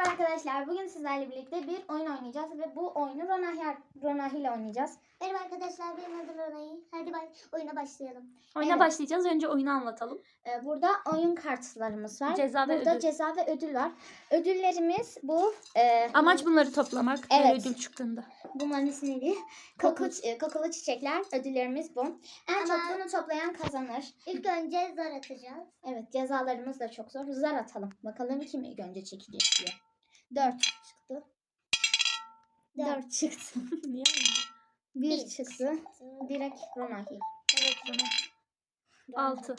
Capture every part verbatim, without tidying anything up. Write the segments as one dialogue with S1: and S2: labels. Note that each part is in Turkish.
S1: Merhaba arkadaşlar. Bugün sizlerle birlikte bir oyun oynayacağız ve bu oyunu Ronahi, Ronahi ile oynayacağız.
S2: Merhaba arkadaşlar, benim adım Ronay. Hadi bay, oyuna başlayalım.
S3: Oyuna
S1: Evet.
S3: başlayacağız. Önce oyunu anlatalım.
S1: Ee, burada oyun kartlarımız var.
S3: Ceza ve
S1: burada
S3: ödül.
S1: ceza ve ödül var. Ödüllerimiz bu. E,
S3: Amaç bunları toplamak. Her
S1: Evet.
S3: ödül çıktığında.
S1: bunların ismi değil. Kokulu, e, kokulu çiçekler. Ödüllerimiz bu. En
S2: Ama-
S1: çok bunu toplayan kazanır.
S2: İlk önce zar atacağız.
S1: Evet, cezalarımız da çok zor. Zar atalım. Bakalım kim ilk önce çekecek diye. Dört çıktı.
S2: Dört.
S1: Dört çıktı.
S3: Niye?
S1: Bir
S2: Bir
S1: çıktı. Direkt Ronahi.
S3: Evet. Altı.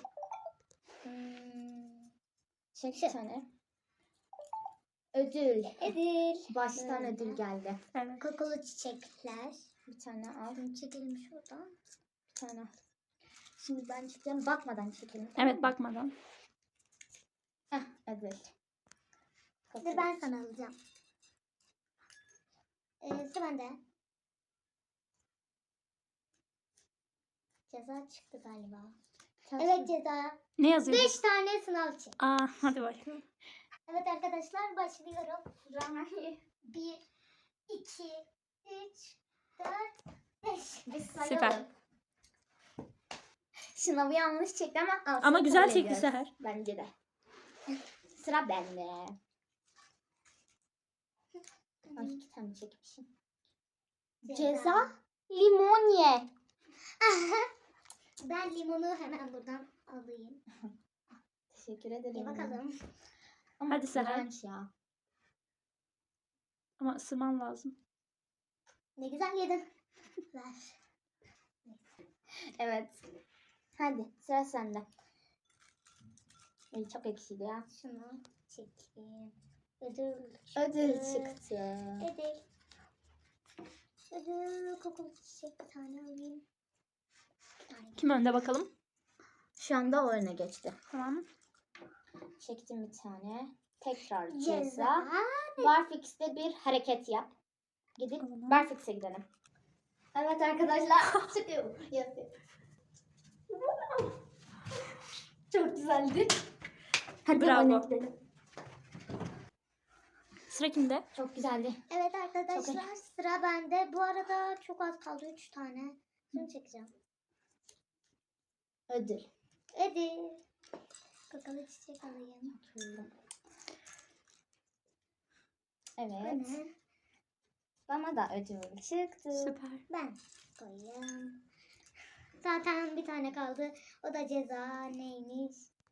S1: Hmm, Çek bir tane. Ödül.
S2: Ödül.
S1: Baştan
S2: Böyle.
S1: ödül geldi.
S3: Evet.
S2: Kokulu çiçekler.
S1: Bir tane al.
S2: Şunu çekelim şuradan.
S1: Bir tane al. Şimdi ben çekeceğim. Bakmadan çekelim.
S3: Evet, bakmadan.
S1: Heh, ödül.
S2: Dur ben sana alacağım. Ee, sıra bende. Ceza çıktı galiba. Evet, ceza.
S3: Ne yazıyor?
S2: Beş tane sınav çıktı.
S3: Aa, hadi bakalım.
S2: Evet arkadaşlar, başlıyorum.
S1: Ronahi.
S2: Bir, iki, üç, dört, beş.
S1: Biz sayalım.
S3: Süper.
S1: Sınavı yanlış çekti ama alsın,
S3: Ama güzel
S1: kabul
S3: çekti
S1: ediyoruz.
S3: Seher.
S1: Bence de. Sıra bende. Ay, iki tane çekmişim. Ceza. Limon ye.
S2: Ben limonu hemen buradan alayım.
S1: Teşekkür ederim.
S2: İyi bakalım.
S1: Ama
S3: Hadi Seher.
S1: iğrenç ya.
S3: Ama ısırman lazım.
S2: Ne güzel yedin. Ver.
S1: Evet. Hadi sıra sende. Ay, çok ekşiydi ya.
S2: Şunu çekeyim. Ödül çıktı.
S1: Ödül çıktı.
S2: Ödül. Ödül kokulu çiçek bir tane alayım. Bir tane.
S3: Kim önde bakalım?
S1: Şu anda o öne geçti.
S3: Tamam.
S1: Çektim bir tane. Tekrar
S2: Ceza.
S1: ceza. Barfix'te bir hareket yap. Gidip
S3: Tamam.
S1: Barfix'e gidelim. Evet arkadaşlar. Çıkıyor. Yapıyor. Çok güzeldi. Hadi
S3: Bravo.
S1: öne gidelim.
S3: Sıra kimde?
S1: Çok güzeldi.
S2: Evet arkadaşlar, sıra bende. Bu arada çok az kaldı. Üç tane. Şunu çekeceğim.
S1: Ödül.
S2: Ödül. Kokulu çiçek alayım.
S1: Evet.
S2: Ne?
S1: Bana da ödül çıktı.
S3: Süper.
S2: Ben koyayım. Zaten bir tane kaldı. O da ceza neymiş?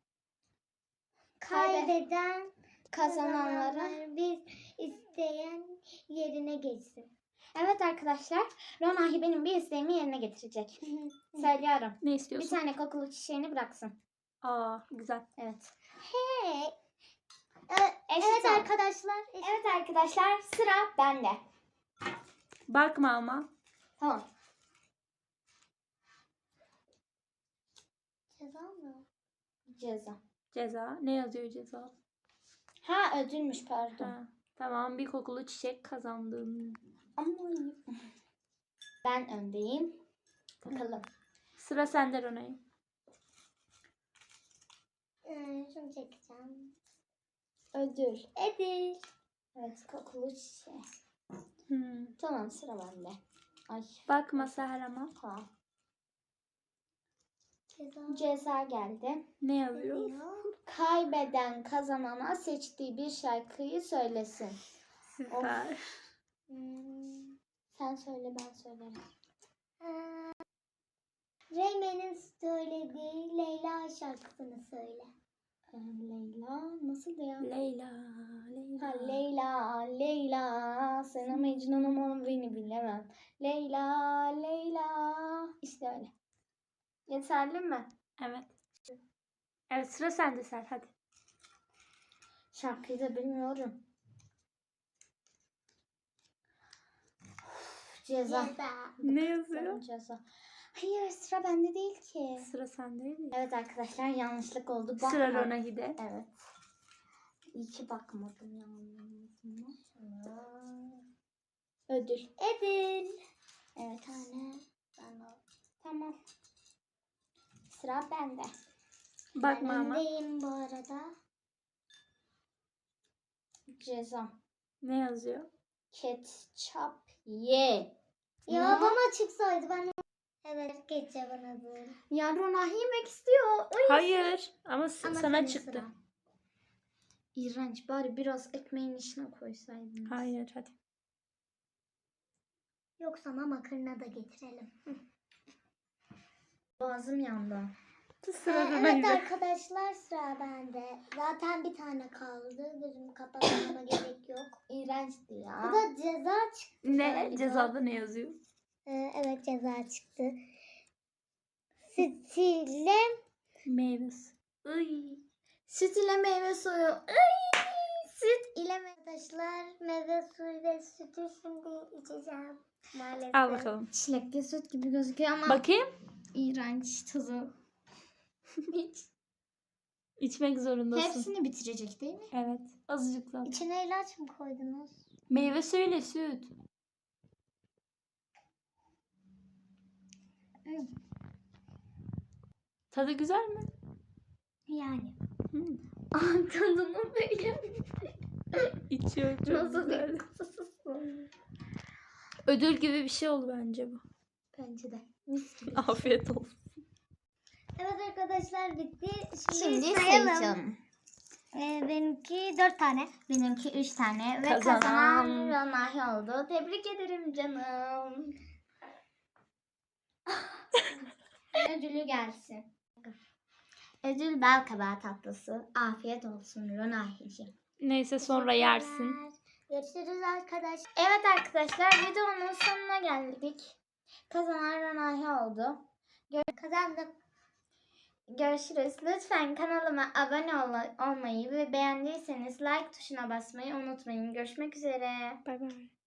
S1: Kaybe-
S2: Kaybeden
S1: Kazananlara.
S2: kazananlar bir isteyen yerine geçsin.
S1: Evet arkadaşlar. Ronahi benim bir isteğimi yerine getirecek. Söylüyorum.
S3: Ne
S1: Bir
S3: istiyorsun?
S1: tane kokulu çiçeğini bıraksın.
S3: Aa, güzel.
S1: Evet.
S2: Hey. Evet,
S1: Eşit
S2: evet
S1: oldu.
S2: arkadaşlar. eşit-
S1: Evet arkadaşlar sıra bende.
S3: Bakma ama.
S1: Tamam.
S2: Ceza mı?
S1: Ceza.
S3: Ceza. Ne yazıyor ceza?
S1: Ha ödülmüş pardon.
S3: Ha. Tamam, bir kokulu çiçek kazandın.
S1: Ama ben öndeyim. Bakalım.
S3: Sıra sende Ronay.
S2: Ee, şunu çekeceğim.
S1: Ödül.
S2: Ödül.
S1: Evet kokulu çiçek.
S3: Hmm.
S1: Tamam sıra bende. Ay.
S3: Bakma Seher ama.
S1: Tamam.
S2: Ceza.
S1: Ceza geldi.
S3: Ne yazıyor?
S1: Kaybeden kazanana seçtiği bir şarkıyı söylesin.
S3: Süper.
S2: Hmm.
S1: Sen söyle ben söylerim.
S2: Ee, Reymen'in söylediği Leyla şarkısını söyle.
S1: Ee, Leyla nasıl ya?
S3: Leyla. Leyla.
S1: Ha, Leyla, Leyla, sana Mecnun'um onu beni bilemem. Leyla, Leyla. İşte öyle. Yeterli mi?
S3: Evet. Evet, sıra sende Ser. Hadi.
S1: Şarkıyı da bilmiyorum. Ceza.
S2: Ceza.
S3: Ne yazıyor?
S1: Ceza. Hayır sıra bende değil ki.
S3: Sıra sende değil mi?
S1: Evet arkadaşlar yanlışlık oldu.
S3: Sıra
S1: Bakma.
S3: Ronahi'de.
S1: Evet. İyi ki bakmadım ya. Ödül.
S2: Ödül.
S1: Evet.
S2: Bir tane. Ben de.
S1: Tamam. Sıra bende.
S3: Bakma
S2: Ben
S3: ama.
S2: öndeyim bu arada.
S1: Ceza.
S3: Ne yazıyor?
S1: Ketçap ye.
S2: Ya
S1: Ne?
S2: bana çıksaydı ben... Evet ketçapın adı.
S1: Ya Ronay yemek istiyor. Ay.
S3: Hayır. Ama, s-
S2: Ama
S3: sana
S2: senin
S3: çıktı.
S2: sıran.
S1: İğrenç. Bari biraz ekmeğin içine koysaydınız.
S3: Hayır hadi.
S2: Yok sana makarna da getirelim.
S1: Boğazım yandı.
S2: Ee,
S3: Sıra
S2: evet
S3: Ronay'da.
S2: arkadaşlar sıra bende. Zaten bir tane kaldı. Gözümü kapatmama gerek yok.
S1: İğrençti
S2: Bu
S1: ya.
S2: da ceza çıktı.
S3: Ne?
S2: galiba.
S3: Cezada ne yazıyor?
S2: Ee, evet ceza çıktı. Stile
S3: Meyvesi. Iy.
S1: Süt ile meyve suyu. Ay, süt ile meyve.
S2: arkadaşlar meyve suyu ve sütü şimdi içeceğim. Maalesef.
S3: Al bakalım.
S1: Çilekli süt gibi gözüküyor ama
S3: Bakayım.
S1: iğrenç tadı. Hiç.
S3: İçmek zorundasın.
S1: Hepsini bitirecek değil mi?
S3: Evet. Azıcık zaten.
S2: İçine ilaç mı koydunuz?
S3: Meyve suyuyla süt.
S1: Hmm.
S3: Tadı güzel mi?
S2: Yani.
S3: Hmm.
S1: Tadını böyle.
S3: İçiyor çok
S1: Nasıl
S3: güzel.
S1: bir
S3: Ödül gibi bir şey oldu bence bu.
S1: Bence de. Mis gibi.
S3: Afiyet olsun.
S2: Evet arkadaşlar bitti. Şimdi,
S1: Şimdi
S2: sayalım.
S1: sayacağım.
S2: Ee, benimki dört tane.
S1: Benimki üç tane ve
S3: Kazanan.
S1: kazanan Ronay oldu. Tebrik ederim canım. Ödülü gelsin. Ödül bal kabağı tatlısı. Afiyet olsun Ronay'cığım.
S3: Neyse sonra yersin.
S2: Görüşürüz arkadaşlar.
S1: Evet arkadaşlar videonun sonuna geldik. Kazanan Ronay oldu.
S2: Kazandım.
S1: Görüşürüz. Lütfen kanalıma abone ol- olmayı ve beğendiyseniz like tuşuna basmayı unutmayın. Görüşmek üzere.
S3: Bay bay.